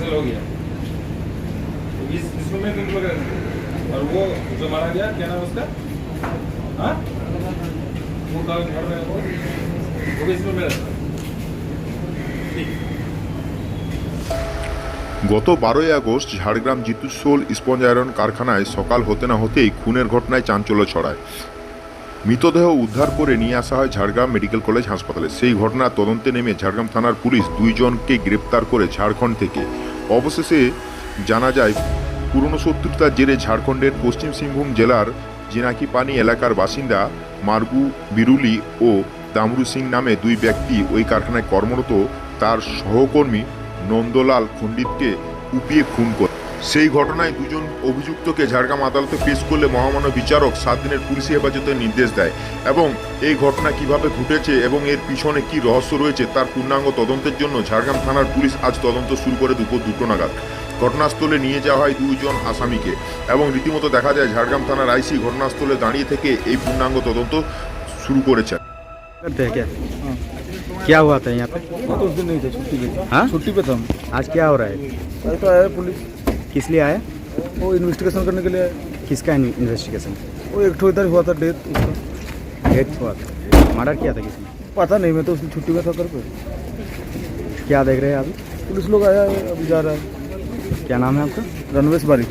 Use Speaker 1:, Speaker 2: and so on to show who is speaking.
Speaker 1: Medical हो गया, इसमें तुम लोग, और वो जो मारा गया क्या नाम उसका, हाँ वो घर में वो भी इसमें मेरा ठीक।
Speaker 2: গত 12ই আগস্ট ঝাড়গ্রাম জিতুসোল স্পঞ্জ আয়রন কারখানায় সকাল হতে না হতেই খুনের ঘটনায় চাঞ্চল্য ছড়ায়। মৃতদেহ উদ্ধার করে নিয়ে আসা হয় ঝাড়গ্রাম মেডিকেল কলেজ হাসপাতালে। সেই ঘটনার তদন্তে নেমে ঝাড়গ্রাম থানার পুলিশ 2 জনকে গ্রেপ্তার করে ঝাড়খণ্ড থেকে। অবশেষে জানা যায় পুরনো শত্রুতার জেরে ঝাড়খণ্ডের পশ্চিম সিংভূম জেলার জিনাকিপানি এলাকার বাসিন্দা মার্গু বিরুলি ও দামরু সিং নামে 2 ব্যক্তি ওই কারখানায় কর্মরত তার সহকর্মী নন্দলাল খণ্ডিতকে কুপিয়ে খুন করে। সেই ঘটনায় 2 জন অভিযুক্তকে ঝাড়গ্রাম আদালতে পেশ করলে মহামান্য বিচারক 7 দিনের পুলিশি হেফাজতের নির্দেশ দেয় এবং এই ঘটনা কিভাবে ঘটেছে এবং এর পিছনে কি রহস্য রয়েছে তার পূর্ণাঙ্গ তদন্তের জন্য ঝাড়গ্রাম থানার পুলিশ আজ তদন্ত শুরু করে দুপুর 2টো নাগাদ। ঘটনাস্থলে নিয়ে যাওয়া হয় 2 জন আসামিকে এবং রীতিমতো দেখা যায় ঝাড়গ্রাম থানার আইসি ঘটনাস্থলে দাঁড়িয়ে থেকে এই পূর্ণাঙ্গ তদন্ত শুরু করেছেন।
Speaker 3: करते हैं क्या? क्या हुआ था यहाँ पे?
Speaker 4: मैं तो उस दिन नहीं था, छुट्टी पे था।
Speaker 3: हाँ?
Speaker 4: छुट्टी पे था हम।
Speaker 3: आज क्या हो रहा है?
Speaker 4: कल तो आया पुलिस,
Speaker 3: किस लिए आया?
Speaker 4: वो इन्वेस्टिगेशन करने के लिए आया।
Speaker 3: किसका इन्वेस्टिगेशन?
Speaker 4: वो एक ठो इधर हुआ था डेथ उसका,
Speaker 3: डेथ हुआ था, मर्डर किया था किसने?
Speaker 4: पता नहीं, मैं तो उसकी छुट्टी में था कर पे।
Speaker 3: क्या देख रहे हैं अभी?
Speaker 4: पुलिस लोग आया है, अभी जा रहा है।
Speaker 3: क्या नाम है आपका?
Speaker 4: रणवेश बारी।